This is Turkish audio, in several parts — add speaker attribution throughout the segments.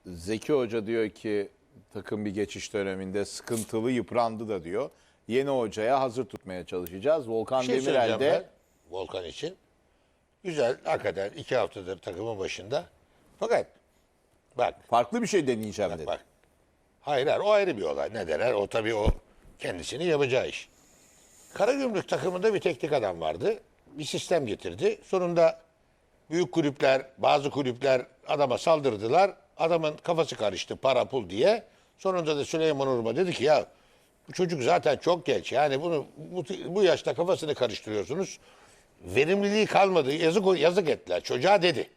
Speaker 1: Zeki Hoca diyor ki takım bir geçiş döneminde sıkıntılı, yıprandı da diyor. Yeni hocaya hazır tutmaya çalışacağız.
Speaker 2: Bir
Speaker 1: Volkan
Speaker 2: şey
Speaker 1: Demirel
Speaker 2: söyleyeceğim
Speaker 1: de
Speaker 2: ben Volkan için. Güzel, hakikaten 2 haftadır takımın başında. Fakat bak,
Speaker 1: farklı bir şey deneyeceğim dedi.
Speaker 2: bak. Hayır, o ayrı bir olay. Ne derler? O tabii o kendisinin yapacağı iş. Karagümrük takımında bir teknik adam vardı. Bir sistem getirdi. Sonunda büyük kulüpler, bazı kulüpler adama saldırdılar. Adamın kafası karıştı para pul diye. Sonunda da Süleyman Urma dedi ki ya bu çocuk zaten çok genç. Yani bunu bu yaşta kafasını karıştırıyorsunuz. Verimliliği kalmadı. Yazık ettiler. Çocuğa dedi.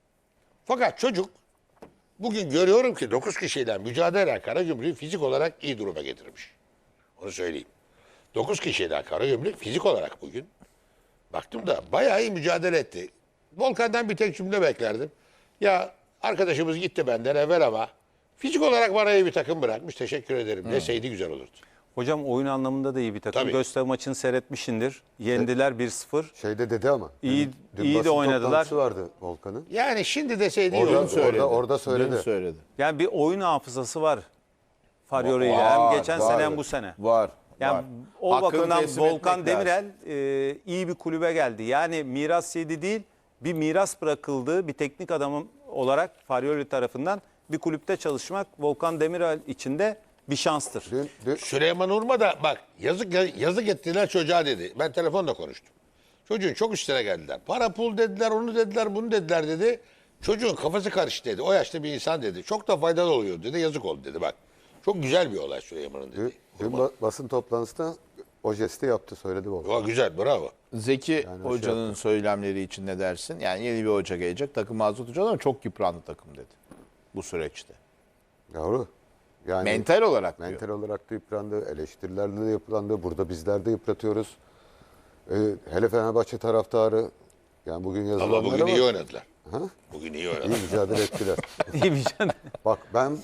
Speaker 2: Fakat çocuk bugün görüyorum ki 9 kişiyle mücadele eden Karagümrük'ü fizik olarak iyi duruma getirmiş. Onu söyleyeyim. 9 kişiden Karagümrük fizik olarak bugün baktım da bayağı iyi mücadele etti. Volkan'dan bir tek cümle beklerdim. Ya arkadaşımız gitti benden evvel ama fizik olarak bana iyi bir takım bırakmış. Teşekkür ederim. Deseydi güzel olurdu.
Speaker 3: Hocam oyun anlamında da iyi bir takım.
Speaker 2: Tabii.
Speaker 3: Göztepe maçını seyretmişsindir. Yendiler 1-0.
Speaker 4: Şeyde dedi ama.
Speaker 3: İyi-
Speaker 4: dün
Speaker 3: iyi de
Speaker 4: basın
Speaker 3: oynadılar.
Speaker 4: toplantısı vardı Volkan'ın.
Speaker 2: Yani şimdi deseydi iyi
Speaker 4: Orada,
Speaker 2: olurdu.
Speaker 1: söyledi.
Speaker 4: orada söyledi.
Speaker 1: Dün söyledi.
Speaker 3: Yani bir oyun hafızası var. Faryoli ile
Speaker 1: Var,
Speaker 3: hem geçen
Speaker 1: var.
Speaker 3: sene hem bu sene.
Speaker 1: Var.
Speaker 3: Yani
Speaker 1: var.
Speaker 3: o
Speaker 1: Hakkını
Speaker 3: bakımdan
Speaker 1: teslim
Speaker 3: Volkan
Speaker 1: etmek lazım.
Speaker 3: Demirel iyi bir kulübe geldi. Yani miras yedi değil, bir miras bırakıldığı bir teknik adamın olarak Faryoli tarafından bir kulüpte çalışmak Volkan Demirel için de bir şanstır.
Speaker 4: Dün
Speaker 2: Süleyman Urma da bak yazık ettiler çocuğa dedi. Ben telefonla konuştum. Çocuğun çok üstüne geldiler. Para pul dediler, onu dediler, bunu dediler dedi. Çocuğun kafası karıştı dedi. O yaşta bir insan dedi. Çok da faydalı oluyor dedi. Yazık oldu dedi bak. Çok güzel bir olay Süleyman'ın dedi.
Speaker 4: basın toplantısında o jesti yaptı, söyledi Volkan.
Speaker 2: O güzel, bravo.
Speaker 1: Zeki
Speaker 4: o
Speaker 1: Hoca'nın söylemleri için ne dersin? Yani yeni bir hoca gelecek, takım hazır tutacağız ama çok yıprandı takım dedi bu süreçte.
Speaker 4: Doğru. Yani
Speaker 1: Mental olarak diyor.
Speaker 4: mental olarak da yıprandı, eleştirilerle de yıprandı. Burada bizler de yıpratıyoruz. Hele Fenerbahçe taraftarı, yani bugün yazılanlar
Speaker 2: Ama bugün iyi oynadılar.
Speaker 4: Ha?
Speaker 2: Bugün iyi
Speaker 4: İyi
Speaker 2: oynadılar.
Speaker 4: mücadele ettiler.
Speaker 3: İyi bir şey.
Speaker 4: Bak ben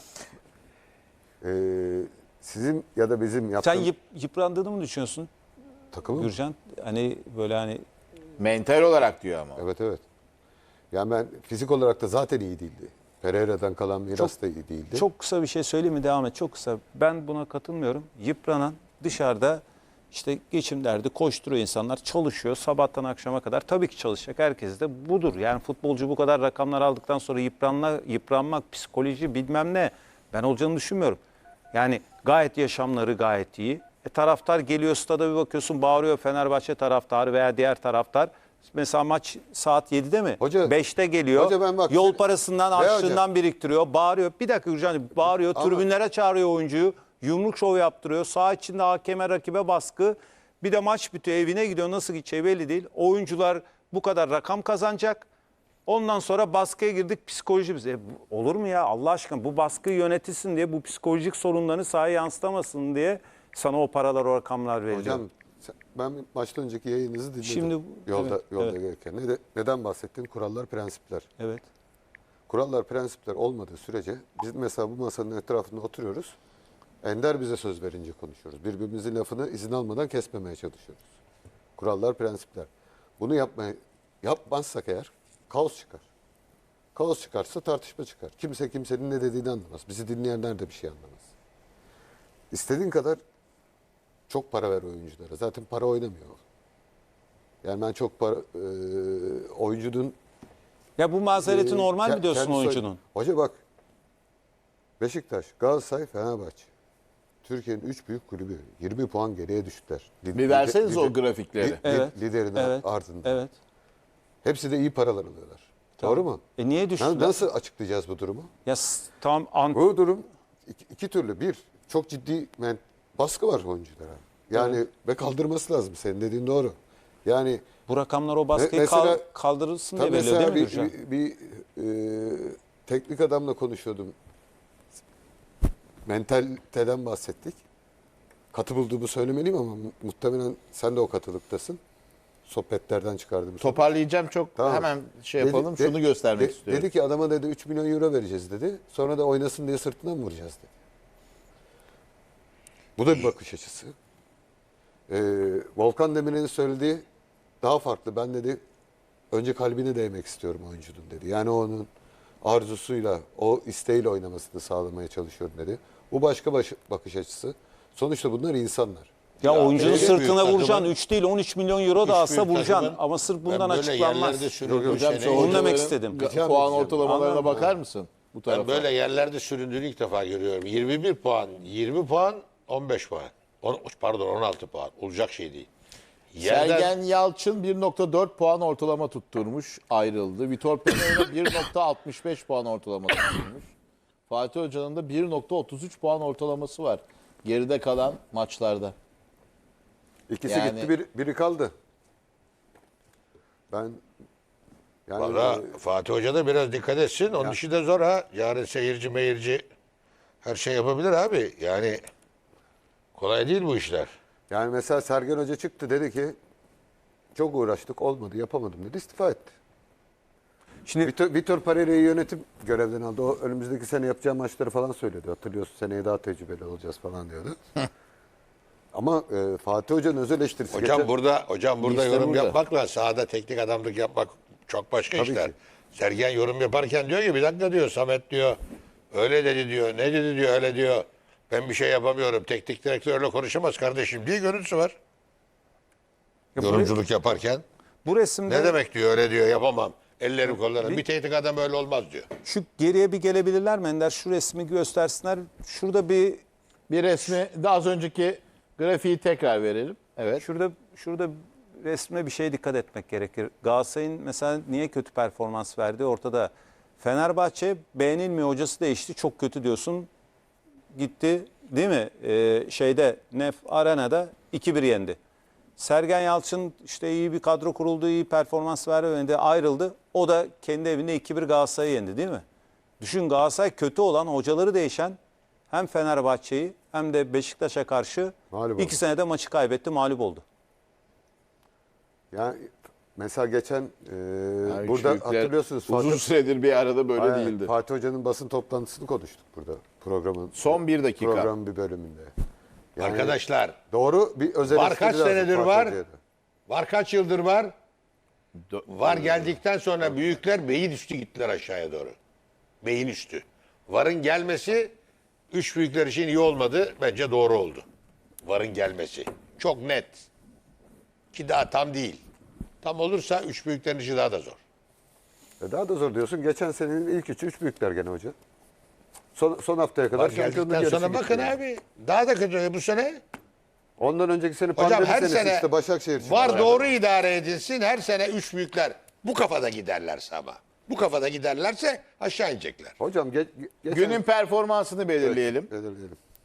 Speaker 4: sizin ya da bizim
Speaker 3: Sen
Speaker 4: yaptığımız
Speaker 3: yıprandığını mı düşünüyorsun
Speaker 4: takımı.
Speaker 3: Gürcan? Hani böyle hani
Speaker 1: Mental olarak diyor ama.
Speaker 4: Evet evet. Yani ben fizik olarak da zaten iyi değildi. Pereira'dan kalan miras da iyi değildi.
Speaker 3: çok kısa bir şey söyleyeyim mi? Devam et. Çok kısa. Ben buna katılmıyorum. Yıpranan dışarıda işte geçim derdi koşturuyor insanlar. Çalışıyor sabahtan akşama kadar. Tabii ki çalışacak. Herkes de budur. Yani futbolcu bu kadar rakamlar aldıktan sonra yıpranmak, psikoloji bilmem ne. Ben olacağını düşünmüyorum. Yani gayet yaşamları gayet iyi. Taraftar geliyor stada bir bakıyorsun bağırıyor Fenerbahçe taraftarı veya diğer taraftar. Mesela maç saat 7'de mi?
Speaker 4: Hoca-
Speaker 3: 5'te geliyor.
Speaker 4: Hoca ben bak-
Speaker 3: Yol parasından
Speaker 4: Ve
Speaker 3: harçlığından biriktiriyor. Bağırıyor. Bir dakika Gürcan bağırıyor.
Speaker 4: Ama-
Speaker 3: Tribünlere çağırıyor oyuncuyu. Yumruk şovu yaptırıyor. Saha içinde hakeme rakibe baskı. Bir de maç bitiyor evine gidiyor. Nasıl gideceği belli değil. Oyuncular bu kadar rakam kazanacak. Ondan sonra baskıya girdik psikoloji bize. Olur mu ya Allah aşkına bu baskıyı yönetilsin diye bu psikolojik sorunlarını sahaya yansıtamasın diye sana o paralar o rakamlar veriliyor.
Speaker 4: Hocam ben maçtan önceki yayınınızı dinledim.
Speaker 3: Şimdi-
Speaker 4: yolda
Speaker 3: evet,
Speaker 4: yolda
Speaker 3: evet.
Speaker 4: gelirken. Neden bahsettin? Kurallar, prensipler.
Speaker 3: Evet.
Speaker 4: Kurallar, prensipler olmadığı sürece biz mesela bu masanın etrafında oturuyoruz. Ender bize söz verince konuşuyoruz. Birbirimizin lafını izin almadan kesmemeye çalışıyoruz. Kurallar, prensipler. Bunu yapmazsak eğer kaos çıkar. Kaos çıkarsa tartışma çıkar. Kimse kimsenin ne dediğini anlamaz. Bizi dinleyenler de bir şey anlamaz. İstediğin kadar çok para ver oyunculara. Zaten para oynamıyor. Yani ben çok para oyuncunun
Speaker 3: Ya bu mazereti normal mi diyorsun
Speaker 4: kendisi-
Speaker 3: oyuncunun?
Speaker 4: Hoca bak, Beşiktaş, Galatasaray, Fenerbahçe. Türkiye'nin 3 büyük kulübü 20 puan geriye düştüler.
Speaker 1: Bir verseniz o grafikleri.
Speaker 3: Evet.
Speaker 4: Liderin
Speaker 3: Evet.
Speaker 4: ardında.
Speaker 3: Evet.
Speaker 4: Hepsi de iyi paralar alıyorlar. Doğru mu?
Speaker 3: Niye düştüler?
Speaker 4: Nasıl açıklayacağız bu durumu?
Speaker 3: Ya tamam
Speaker 4: Bu durum iki türlü. Bir, çok ciddi baskı var oyunculara. Yani ve kaldırması lazım. Senin dediğin doğru. Yani
Speaker 3: bu rakamlar o baskıyı
Speaker 4: Mesela-
Speaker 3: kaldırılsın diye
Speaker 4: tabii
Speaker 3: veriliyor değil
Speaker 4: mesela
Speaker 3: mi Gürcan?
Speaker 4: teknik adamla konuşuyordum. Mentaliteden bahsettik. Katı bulduğumu söylemeliyim ama muhtemelen sen de o katılıktasın. Sohbetlerden çıkardığımız.
Speaker 1: Toparlayacağım çok
Speaker 4: Tamam.
Speaker 1: hemen şey
Speaker 4: Dedi-
Speaker 1: yapalım.
Speaker 4: de-
Speaker 1: Şunu göstermek
Speaker 4: de-
Speaker 1: istiyorum.
Speaker 4: Dedi ki adama dedi 3 milyon euro vereceğiz dedi. Sonra da oynasın diye sırtından mı vuracağız dedi. Bu da bir bakış açısı. Volkan Demirel'in söylediği daha farklı. Ben dedi önce kalbine değmek istiyorum oyuncunun dedi. Yani onun arzusuyla, o isteğiyle oynamasını sağlamaya çalışıyorum dedi. Bu başka bakış açısı. Sonuçta bunlar insanlar.
Speaker 3: Ya oyuncunun
Speaker 2: öyle
Speaker 3: sırtına
Speaker 2: büyük
Speaker 3: vuracaksın.
Speaker 2: takımın-
Speaker 3: 3 değil 13 milyon euro da
Speaker 2: Üç
Speaker 3: alsa
Speaker 2: büyük
Speaker 3: vuracaksın.
Speaker 2: takımın-
Speaker 3: Ama sırf bundan
Speaker 2: Ben böyle
Speaker 3: açıklanmaz.
Speaker 2: yerlerde süründüğüm
Speaker 1: Hocam
Speaker 2: sene-
Speaker 1: şu
Speaker 3: Onu demek
Speaker 1: hocaların
Speaker 3: istedim.
Speaker 1: puan
Speaker 4: Anladım.
Speaker 1: ortalamalarına bakar mısın? Bu
Speaker 2: Ben
Speaker 1: tarafa.
Speaker 2: böyle yerlerde süründüğünü ilk defa görüyorum. 21 puan, 20 puan, 15 puan. Pardon 16 puan. Olacak şey değil.
Speaker 1: Sergen Yalçın 1.4 puan ortalama tutturmuş, ayrıldı. Vitor Pereira 1.65 puan ortalama tutturmuş. Fatih Hoca'nın da 1.33 puan ortalaması var geride kalan maçlarda.
Speaker 4: İkisi
Speaker 1: Yani-
Speaker 4: gitti, biri kaldı. Ben yani
Speaker 2: Valla Fatih Hoca da biraz dikkat etsin. Onun işi de zor ha. Yarın seyirci meyirci her şey yapabilir abi. Yani kolay değil bu işler.
Speaker 4: yani mesela Sergen Hoca çıktı dedi ki çok uğraştık olmadı yapamadım dedi istifa etti.
Speaker 3: Şimdi
Speaker 4: Vitor Pereira'yı yönetim görevden aldı. O önümüzdeki sene yapacağı maçları falan söyledi. Hatırlıyorsun seneye daha tecrübeli olacağız falan diyordu. Ama Fatih Hoca'nın öz eleştirisi.
Speaker 2: Hocam burada
Speaker 1: İşte
Speaker 2: yorum
Speaker 1: burada.
Speaker 2: yapmakla sahada teknik adamlık yapmak çok başka
Speaker 4: Tabii
Speaker 2: işler.
Speaker 4: ki.
Speaker 2: Sergen yorum yaparken diyor ki bir dakika diyor Samet diyor. Öyle dedi diyor. Ne dedi diyor öyle diyor. Ben bir şey yapamıyorum. Teknik direktörle konuşamaz kardeşim diye görüntüsü var. Yorumculuk yaparken.
Speaker 3: bu resimde
Speaker 2: Ne demek diyor öyle diyor yapamam. Ellerim kollarım. Bir teknik adam öyle olmaz diyor.
Speaker 3: şu geriye bir gelebilirler mi Ender? Şu resmi göstersinler. Şurada bir
Speaker 1: Bir resmi de az önceki grafiği tekrar verelim. Evet.
Speaker 3: Şurada resme bir şeye dikkat etmek gerekir. Galatasaray'ın mesela niye kötü performans verdiği ortada. Fenerbahçe beğenilmiyor, hocası değişti, çok kötü diyorsun. Gitti değil mi? Nef Arena'da 2-1 yendi. Sergen Yalçın işte iyi bir kadro kuruldu, iyi performans verdi, ayrıldı. O da kendi evinde 2-1 Galatasaray'ı yendi değil mi? Düşün, Galatasaray kötü olan, hocaları değişen hem Fenerbahçe'yi hem de Beşiktaş'a karşı
Speaker 4: Mağlup oldu.
Speaker 3: 2 senede maçı kaybetti, mağlup oldu.
Speaker 4: Yani mesela geçen
Speaker 1: Yani
Speaker 4: burada
Speaker 1: büyükler
Speaker 4: hatırlıyorsunuz
Speaker 1: uzun süredir bir arada böyle
Speaker 4: Aynen,
Speaker 1: değildi.
Speaker 4: Fatih Hoca'nın basın toplantısını konuştuk burada programın.
Speaker 1: Son bir dakika.
Speaker 4: Programın bir bölümünde. Yani
Speaker 2: Arkadaşlar
Speaker 4: doğru bir öz
Speaker 2: var
Speaker 4: eleştiri
Speaker 2: kaç
Speaker 4: lazım
Speaker 2: senedir
Speaker 4: Fatih
Speaker 2: var?
Speaker 4: Hoca'ya da.
Speaker 2: Var kaç yıldır var? Var geldikten sonra büyükler beyin üstü gittiler aşağıya doğru. Beyin üstü. Varın gelmesi üç büyükler için iyi olmadı. Bence doğru oldu. Varın gelmesi. Çok net. Ki daha tam değil. Tam olursa üç büyüklerin işi daha da zor.
Speaker 4: Daha da zor diyorsun. Geçen senenin ilk üçü üç büyükler gene hoca. Son haftaya kadar
Speaker 2: Var
Speaker 4: şampiyonluk
Speaker 2: geldikten
Speaker 4: yarışı
Speaker 2: sonra
Speaker 4: gitti
Speaker 2: bakın
Speaker 4: yani.
Speaker 2: abi. Daha da kötü bu sene.
Speaker 4: Ondan önceki sene
Speaker 2: Hocam
Speaker 4: pandemi
Speaker 2: her
Speaker 4: senesi
Speaker 2: sene
Speaker 4: işte Başakşehir için.
Speaker 2: var doğru idare edilsin. Her sene üç büyükler bu kafada giderlerse ama. Bu kafada giderlerse aşağı inecekler.
Speaker 4: Hocam geçen...
Speaker 1: Günün performansını belirleyelim.
Speaker 4: Belirleyelim.